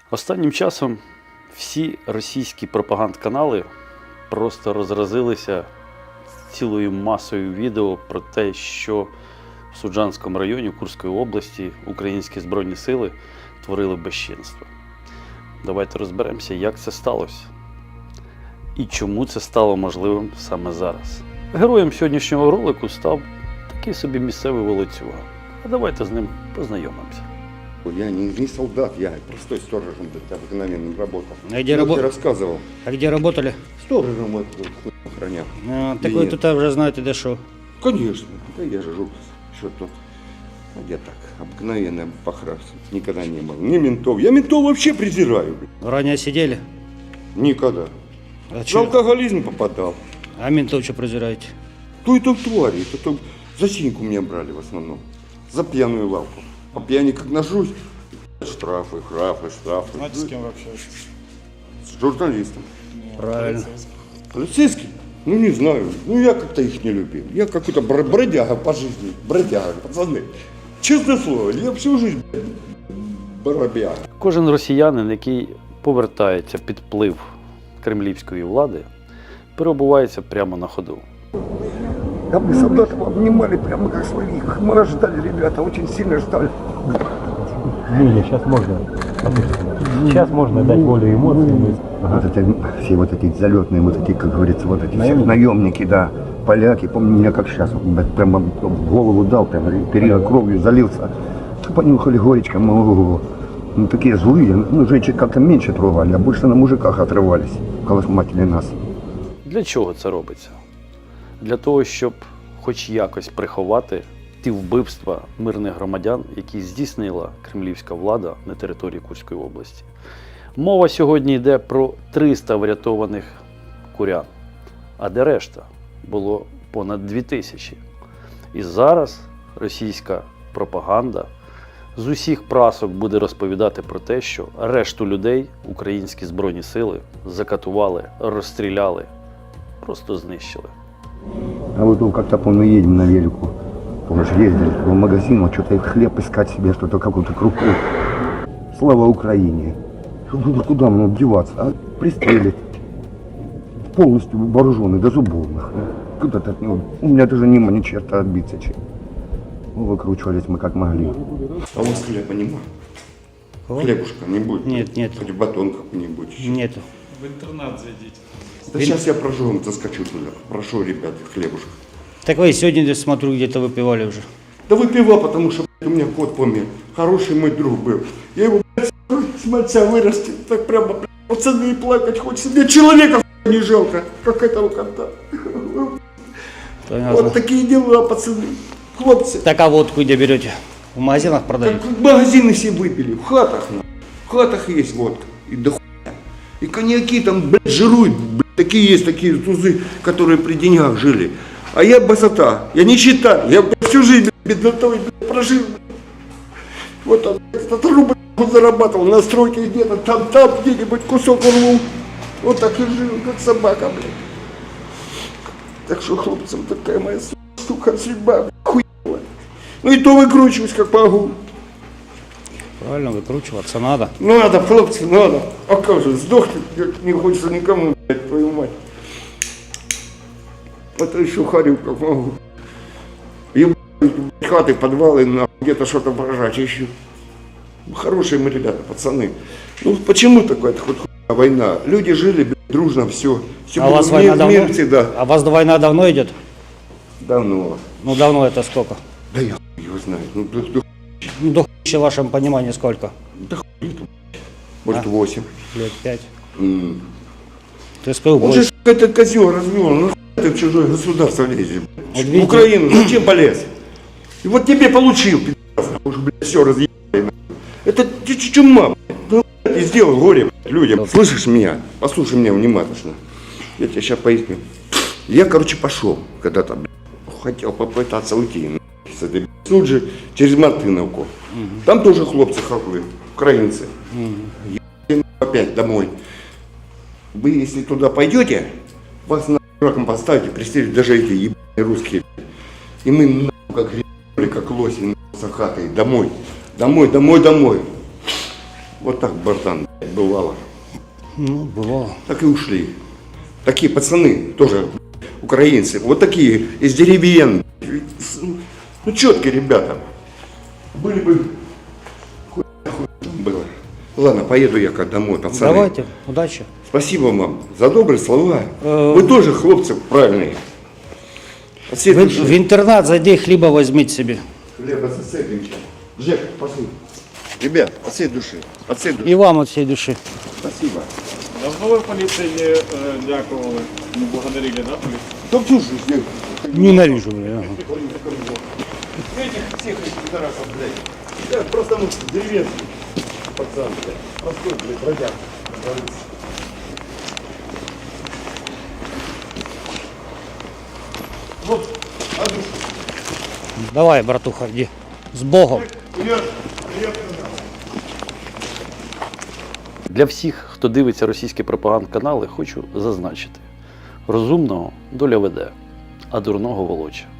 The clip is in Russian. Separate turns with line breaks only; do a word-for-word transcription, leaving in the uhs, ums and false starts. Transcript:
Останнім часом всі російські пропагандканали просто розразилися цілою масою відео про те, що в Суджанському районі Курської області українські Збройні сили творили безчинство. Давайте розберемося, як це сталося і чому це стало можливим саме зараз. Героєм сьогоднішнього ролику став такий собі місцевий волоцюга. А давайте з ним познайомимося.
Я не, не солдат, я простой сторожем обыкновенным работал.
А где работал?
Рассказывал.
А где работали?
Сторожем это хуй охранял.
А, так вы тут уже знаете, да что?
Конечно. Да я же жил, что тут. А я так, обыкновенный похрас. Никогда не был. Ни ментов. Я ментов вообще презираю.
Ранее сидели?
Никогда.
А,
В
чё?
алкоголизм попадал.
А ментов что презираете?
То и то твари. То, то за синьку меня брали в основном. За пьяную лавку. По пьяни как нажусь. Штрафы, штрафы, штрафы.
Знаете, с кем вы общаетесь?
С журналистом.
Правильно.
Полицейский? Ну не знаю. Ну я как-то их не любил. Я какой-то бр- бродяга по жизни. Бродяга, пацаны. Честное слово, я всю жизнь бродяга.
Кожен росіянин, який повертається під вплив кремлівської влади, перебувається прямо на ходу.
Да мы солдатов обнимали прямо как своих. Мы нас ждали, ребята, очень сильно ждали.
Не, сейчас можно. Сейчас можно дать волю эмоциям.
Вот это, все вот эти залетные, вот эти, как говорится, вот эти все наемники, да, поляки, помню меня как сейчас, вот, прямо в голову дал, прям перья кровью залился. Понюхали горечко, ну, ну такие злые, ну женщин как-то меньше трогали, а больше на мужиках отрывались, колосматили нас.
Для чого це робиться? Для того, щоб хоч якось приховати ті вбивства мирних громадян, які здійснила кремлівська влада на території Курської області. Мова сьогодні йде про триста врятованих курян, а де решта? Було понад дві тисячі. І зараз російська пропаганда з усіх прасок буде розповідати про те, що решту людей українські Збройні сили закатували, розстріляли, просто знищили.
А вот тут как-то, помню, едем на велику, помнишь, ездили в магазин, вот что-то хлеб искать себе, что-то какую-то крупу. Слава Украине! Ну, куда мне деваться? А пристрелить. Полностью вооруженный, до зубовных. Куда-то от него. У меня даже нема ни черта отбиться чем. Ну, выкручивались мы как могли.
А у вас хлеба нема?
Кого?
Хлебушка не будет?
Нет, нет.
Хоть батон какой-нибудь.
Нету.
В интернат зайдите.
Да сейчас я прожу, заскочу туда. Прошу, ребят, хлебушка.
Так вы сегодня, смотрю, где-то выпивали уже.
Да выпивал, потому что блядь, у меня кот помер. Хороший мой друг был. Я его, блядь, с мальца вырастил. Так прямо, блядь, пацаны, плакать хочется. Мне человека не жалко, как этого кота.
Понятно.
Вот такие дела, пацаны. Хлопцы.
Так а водку где берете? В магазинах продают?
Так магазины все выпили, в хатах. На. В хатах есть водка. И до хуя. И коньяки там, блядь, жируют. Блядь, такие есть, такие тузы, которые при деньгах жили. А я басота. Я не считаю. Я блядь, всю жизнь блядь, беднотой блядь, прожил. Вот там, блядь, этот рубль он зарабатывал на стройке где-то. Там, там где-нибудь кусок урвал. Вот так и жил, как собака, блядь. Так что, хлопцам, такая моя сука судьба, блядь, хуевая. Ну и то выкручиваюсь, как могу.
Правильно, выкручиваться надо.
Надо, хлопцы, надо. А как же, сдохнуть не хочется никому, блядь, твою мать. Это еще харю, как могу. Ебать, хаты, подвалы, на где-то что-то поражать еще. Хорошие мы ребята, пацаны. Ну почему такая хоть хуйня война? Люди жили, блядь, дружно, все. все
А у вас война давно?
Мир всегда.
А у вас война давно идет?
Давно.
Ну давно это сколько?
Да я хуй его знаю. Ну, да, да,
Ну до хуя в вашем понимании сколько?
да хуй это, может,
А?
восемь.
Лет пять.
М.
Ты СПУ
Он
больше.
же этот козел развел, ну хуй ты в чужое государство лезешь. блядь.
Вот
В
видите?
Украину зачем полез? И вот тебе получил, пи***ц, уж, блядь, все разъебали. нахуй. Это ты ч- чума, блядь. Ну, блядь, и сделал горе, блядь, людям. Слышишь меня? Послушай меня внимательно. Я тебе сейчас поясню. Я, короче, пошел когда-то, блядь, хотел попытаться уйти. нахуй, с этой, блядь, Тут же через Мартыновку. Там тоже хлопцы хохлы, украинцы. Ебать, опять домой. Вы, если туда пойдете, вас на раком поставите, пристрелят даже эти ебаные русские. И мы нахуй, как гребли, как лоси, нахуй, с хатой, домой. Домой, домой, домой. Вот так, братан. блядь, бывало.
Ну, бывало.
Так и ушли. Такие пацаны, тоже украинцы, вот такие, из деревень. Ну, четкие ребята. Были бы... Хуй, хуй там было. Ладно, поеду я как домой, пацаны.
Давайте, удачи.
Спасибо вам за добрые слова.
Э,
Вы тоже, хлопцы, правильные. От всей
В,
души.
в интернат зайди, хлеба возьмите себе.
Хлеба засыпемся. Жек, пошли. Ребят, от всей души. От всей души.
И вам от всей души.
Спасибо.
Давно ви поліції е, дякували, не благодарили, да, поліцію?
Да всю жизнь.
Ненавижу, бля. ага.
Этих всех этих пидорасов, блядь. Я просто, ну, деревенский пацан, блядь. Простой, блядь, бродяг. Вот, а душу.
Давай, братуха, иди. С Богом.
Привет, привет.
Для всіх, хто дивиться російські пропагандканали, хочу зазначити: розумного доля веде, а дурного волоче.